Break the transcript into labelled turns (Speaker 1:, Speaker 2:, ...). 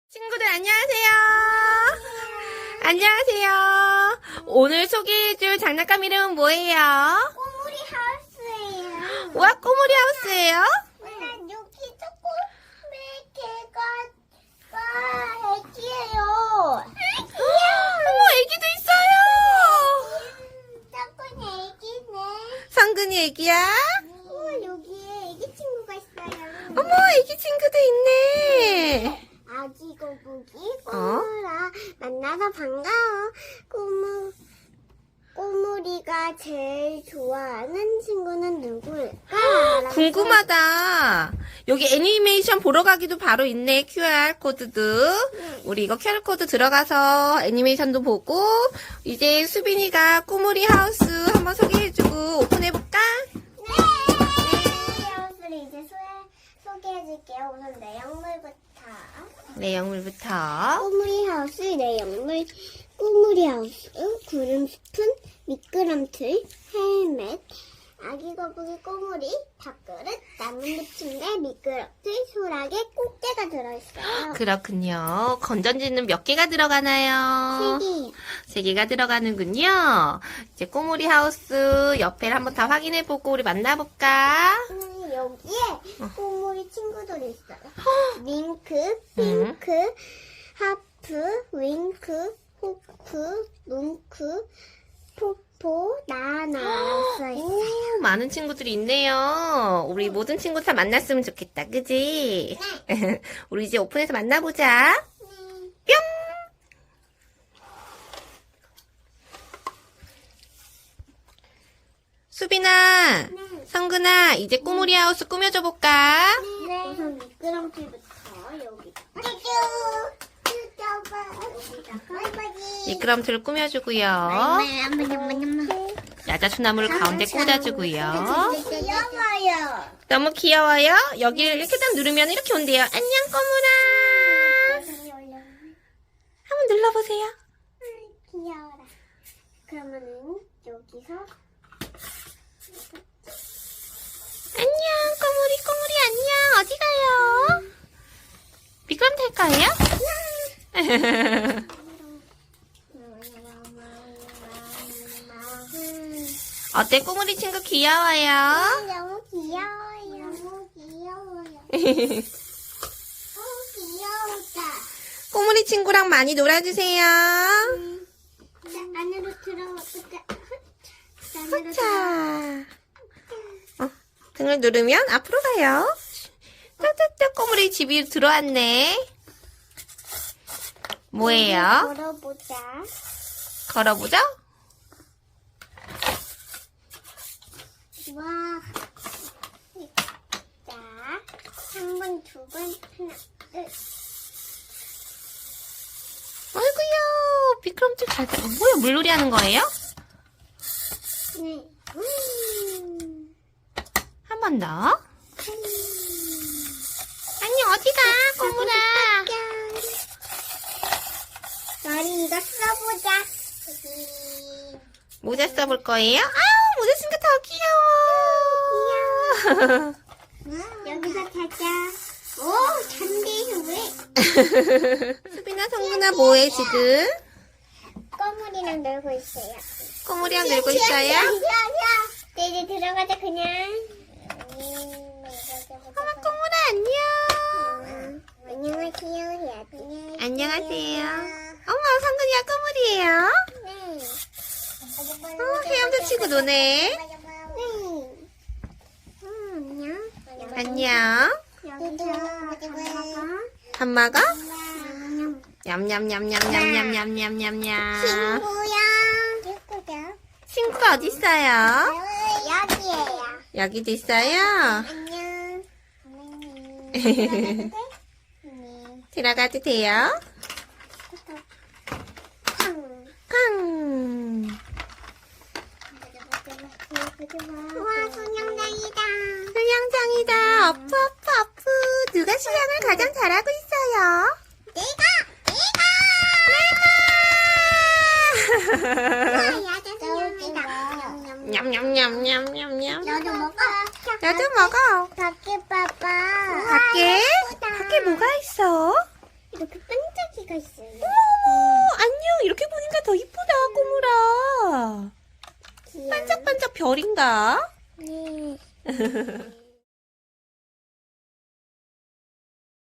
Speaker 1: 친구들 안녕하세요. 안녕하세요. 오늘 소개해줄 장난감 이름은 뭐예요?
Speaker 2: 꼬물이 하우스예요.
Speaker 1: 우와, 꼬물이 하우스예요?
Speaker 2: 난 여기 조금의 개가 애기예요.
Speaker 1: 어머, 애기도 있어요.
Speaker 2: 조금 애기네.
Speaker 1: 성근이 애기야?
Speaker 2: 우와, 여기에 애기 친구가 있어요.
Speaker 1: 어머, 애기 친구도 있네.
Speaker 2: 아기 거북이 꼬물아 만나서 반가워. 꼬물이가 제일 좋아하는 친구는 누구일까?
Speaker 1: 궁금하다. 여기 애니메이션 보러 가기도 바로 있네. QR코드도. 우리 이거 QR코드 들어가서 애니메이션도 보고 이제 수빈이가 꼬물이 하우스 한번 소개해주고 오픈해볼까?
Speaker 2: 네. 하우스를 이제 소개해줄게요. 우선 내용물부터.
Speaker 1: 내용물부터.
Speaker 2: 꼬물이 하우스 내용물. 꼬물이 하우스, 구름 스푼, 미끄럼틀, 헬멧, 아기 거북이 꼬물이, 밥그릇, 나뭇잎 침대, 미끄럼틀, 소라게, 꽃게가 들어있어요.
Speaker 1: 그렇군요. 건전지는 몇 개가 들어가나요?
Speaker 2: 3개예요.
Speaker 1: 3개가 들어가는군요. 이제 꼬물이 하우스 옆에를 한번 다 확인해보고 우리 만나볼까?
Speaker 2: 여기에 꼬물이 친구들이 있어요. 윙크, 핑크, 하프, 윙크, 호프, 뭉크, 포포, 나나 써있어요.
Speaker 1: 오, 많은 친구들이 있네요. 우리 모든 친구 다 만났으면 좋겠다. 그지? 우리 이제 오픈해서 만나보자. 뿅! 수빈아, 성근아, 이제 꼬물이 하우스 꾸며줘 볼까?
Speaker 2: 네. 우선 미끄럼틀부터 여기.
Speaker 1: 미끄럼틀을 꾸며주고요. 야자수나무를 가운데 꽂아주고요.
Speaker 2: 귀여워요.
Speaker 1: 너무 귀여워요. 여기를 이렇게 딱 누르면 이렇게 온대요. 안녕 꼬물아. 한번 눌러보세요.
Speaker 2: 귀여워라. 그러면은 여기서
Speaker 1: 안녕 꼬물이 안녕. 어디 가요? 미끄럼틀 거예요? 어때 꼬물이 친구 귀여워요?
Speaker 2: 너무 귀여워요. 너무 귀여워요. 귀여우다.
Speaker 1: 꼬물이 친구랑 많이 놀아주세요.
Speaker 2: 자, 안으로 들어가보자.
Speaker 1: 자, 등을 누르면 앞으로 가요. 따따따 꼬물이 집이 들어왔네. 뭐예요?
Speaker 2: 걸어보자.
Speaker 1: 걸어보죠?
Speaker 2: 와. 자, 한 번, 두 번, 하나, 둘.
Speaker 1: 아이고야, 미끄럼틀 잘 타. 뭐야, 물놀이 하는 거예요?
Speaker 2: 네.
Speaker 1: 한 번 더. 안녕, 어디가, 꼬물아?
Speaker 2: 나리 이거 써보자.
Speaker 1: 모자 써볼 거예요? 아우, 모자 쓴 거 더 귀여워.
Speaker 2: 여기서 자자. 오, 잔디 왜?
Speaker 1: 수빈아, 성근아, 뭐해, 지금?
Speaker 2: 꼬물이랑 놀고 있어요.
Speaker 1: 꼬물이랑 놀고 있어요?
Speaker 2: 네, 이제 들어가자, 그냥.
Speaker 1: 어머, 꼬물아, 안녕.
Speaker 2: 안녕하세요, 해야지.
Speaker 1: 안녕하세요. 어머, 성근이가 꼬물이에요?
Speaker 2: 네.
Speaker 1: 헤엄도 치고 노네.
Speaker 2: 네. 안녕.
Speaker 1: 안녕.
Speaker 2: 여기서
Speaker 1: 밥 먹어? 냠냠냠냠냠냠냠냠냠냠.
Speaker 2: 친구야. 친구야.
Speaker 1: 친구가 어디 있어요?
Speaker 2: 여기에요.
Speaker 1: 여기도 있어요?
Speaker 2: 안녕.
Speaker 1: 들어가도 돼요? 쾅.
Speaker 2: 우와, 수영장이다.
Speaker 1: 수영장이다. 어프. 누가 수영을 가장 잘하고 있어요?
Speaker 2: 야자 수영이다.
Speaker 1: 냠냠냠냠냠냠.
Speaker 2: 너도 먹어.
Speaker 1: 나도 먹어.
Speaker 2: 밖에 봐봐.
Speaker 1: 밖에 뭐가 있어?
Speaker 2: 이렇게 뺑뺑 별이가 있어요.
Speaker 1: 안녕. 이렇게 보니까 더 이쁘다, 꼬물아.
Speaker 2: 귀여워.
Speaker 1: 반짝반짝 별인가?
Speaker 2: 네.